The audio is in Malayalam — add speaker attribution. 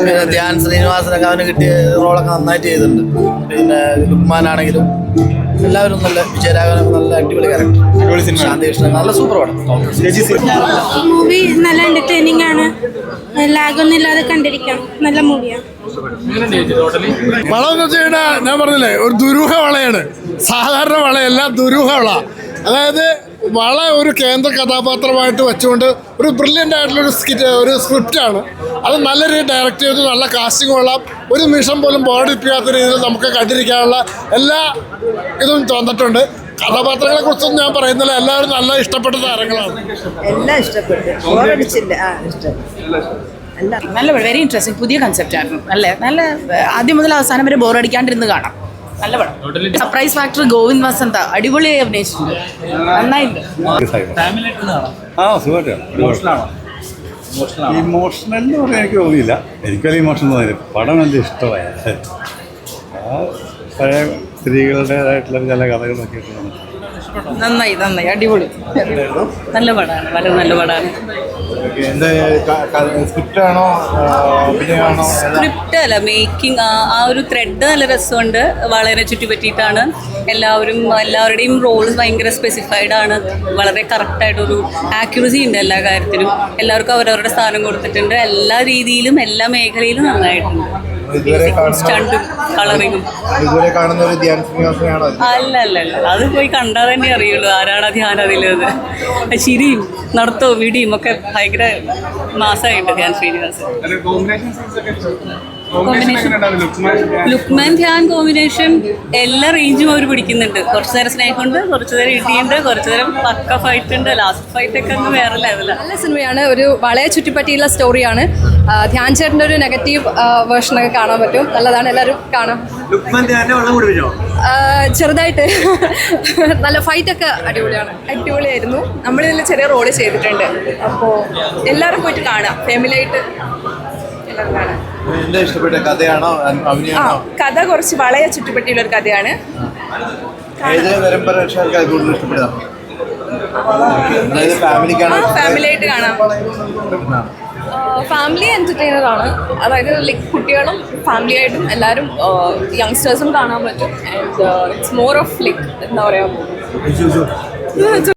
Speaker 1: പിന്നെ ധ്യാൻ ശ്രീനിവാസനൊക്കെ അവന് കിട്ടിയ റോളൊക്കെ നന്നായിട്ട് ചെയ്തിട്ടുണ്ട്. പിന്നെ ലുക്മാനാണെങ്കിലും എല്ലാവരും നല്ല വിജയരാഘവനൊക്കെ നല്ല അടിപൊളി ക്യാരക്ടർ. ശാന്തികൃഷ്ണൻ നല്ല സൂപ്പർ പടം.
Speaker 2: മൂവി നല്ല എന്റർടൈനിങ് ആണ്, ലാഗൊന്നും ഇല്ലാതെ കണ്ടിരിക്കാം. നല്ല മൂവിയാണ്.
Speaker 3: വളം എന്ന് വെച്ച് കഴിഞ്ഞാൽ ഞാൻ പറഞ്ഞില്ലേ, ഒരു ദുരൂഹ വളയാണ്. സാധാരണ വളയല്ല, ദുരൂഹ വള. അതായത് വള ഒരു കേന്ദ്ര കഥാപാത്രമായിട്ട് വെച്ചുകൊണ്ട് ഒരു ബ്രില്യൻ്റ് ആയിട്ടുള്ള ഒരു സ്ക്രിപ്റ്റാണ്. അത് നല്ല രീതിയിൽ ഡയറക്റ്റ് ചെയ്ത് നല്ല കാസ്റ്റിംഗ് ഉള്ള ഒരു നിമിഷം പോലും ബോറടിപ്പിക്കാത്ത രീതിയിൽ നമുക്ക് കണ്ടിരിക്കാനുള്ള എല്ലാ ഇതും തോന്നിട്ടുണ്ട്. കഥാപാത്രങ്ങളെ കുറിച്ചൊന്നും ഞാൻ പറയുന്നില്ല, എല്ലാവരും നല്ല ഇഷ്ടപ്പെട്ട താരങ്ങളാണ്.
Speaker 4: എല്ലാം ഇഷ്ടപ്പെട്ടു, ബോറടിച്ചില്ല.
Speaker 5: നല്ല വെരി ഇൻട്രസ്റ്റിംഗ്, പുതിയ കൺസെപ്റ്റ് ആയിരുന്നു. നല്ല ആദ്യം മുതൽ അവസാനം വരെ ബോറടിക്കാണ്ടിരുന്ന് കാണാം. നല്ല പടം. സർപ്രൈസ് ഫാക്ടർ ഗോവിന്ദ് വസന്ത അടിപൊളിയായി അഭിനയിച്ചിട്ടുണ്ട്, നന്നായിട്ടുണ്ട്.
Speaker 6: ഇമോഷണൽ എന്ന് പറയാൻ എനിക്ക് തോന്നിയില്ല. എനിക്കൊരു ഇമോഷൻ തോന്നിയില്ല. പടം നല്ല ഇഷ്ടമായ പഴയ സ്ത്രീകളുടേതായിട്ടുള്ള ചില കഥകളൊക്കെ ഇട്ടുണ്ട്.
Speaker 5: നന്നായി അടിപൊളി, നല്ല പടമാണ്, വളരെ നല്ല പടമാണ്. സ്ക്രിപ്റ്റ് അല്ല, മേക്കിംഗ്, ആ ഒരു ത്രെഡ് നല്ല രസമുണ്ട്. വളരെ ചുറ്റിപ്പറ്റിയിട്ടാണ് എല്ലാവരുടെയും റോൾസ് ഭയങ്കര സ്പെസിഫൈഡ് ആണ്. വളരെ കറക്റ്റായിട്ടൊരു ആക്യുറസി ഉണ്ട് എല്ലാ കാര്യത്തിലും. എല്ലാവർക്കും അവരവരുടെ സ്ഥാനം കൊടുത്തിട്ടുണ്ട്. എല്ലാ രീതിയിലും എല്ലാ മേഖലയിലും നന്നായിട്ടുണ്ട്. സ്റ്റണ്ടും കളറിങ്ങും അല്ല, അത് പോയി കണ്ടാൽ തന്നെ അറിയുള്ളൂ ആരാണ് ധ്യാൻ അതിലത്. ചിരിയും നടത്തവും വിടിയും ഒക്കെ ഭയങ്കര മാസമായിട്ട് ധ്യാൻ ശ്രീനിവാസൻ. ലുക്മാൻ ധ്യാൻ കോമ്പിനേഷൻ എല്ലാ റേഞ്ചും അവർ പിടിക്കുന്നുണ്ട്. കുറച്ചു നേരം സ്നേഹമുണ്ട്, കുറച്ചു നേരം ഇടിയുണ്ട്, കുറച്ചു നേരം പക്ക ഫൈറ്റ് ഉണ്ട്. ലാസ്റ്റ് ഫൈറ്റ് ഒക്കെ ഒന്ന് വേറെ ലെവലാണ്.
Speaker 7: നല്ല സിനിമയാണ്. ഒരു വളയെ ചുറ്റിപ്പറ്റിയുള്ള സ്റ്റോറിയാണ്. ധ്യാൻ ചേട്ടൻ്റെ ഒരു നെഗറ്റീവ് വേർഷനൊക്കെ കാണാൻ പറ്റും. നല്ലതാണ്, എല്ലാവരും കാണാം. ചെറുതായിട്ട് നല്ല ഫൈറ്റൊക്കെ അടിപൊളിയായിരുന്നു. നമ്മളിതിൽ ചെറിയ റോള് ചെയ്തിട്ടുണ്ട്. അപ്പോൾ എല്ലാവരും പോയിട്ട് കാണാം, ഫാമിലിയായിട്ട് എല്ലാവരും കാണാം. കഥ കുറച്ച് വളയെ ചുറ്റിപ്പറ്റിയുള്ള ഒരു കഥയാണ്. ഫാമിലിയായിട്ട് കാണാം. ഫാമിലി എന്റർടൈനർ ആണ്. അതായത് ലൈക്ക് കുട്ടികളും ഫാമിലിയായിട്ടും എല്ലാവരും യങ്സ്റ്റേഴ്സും കാണാൻ പറ്റും. And it's more of like എന്താ പറയുക,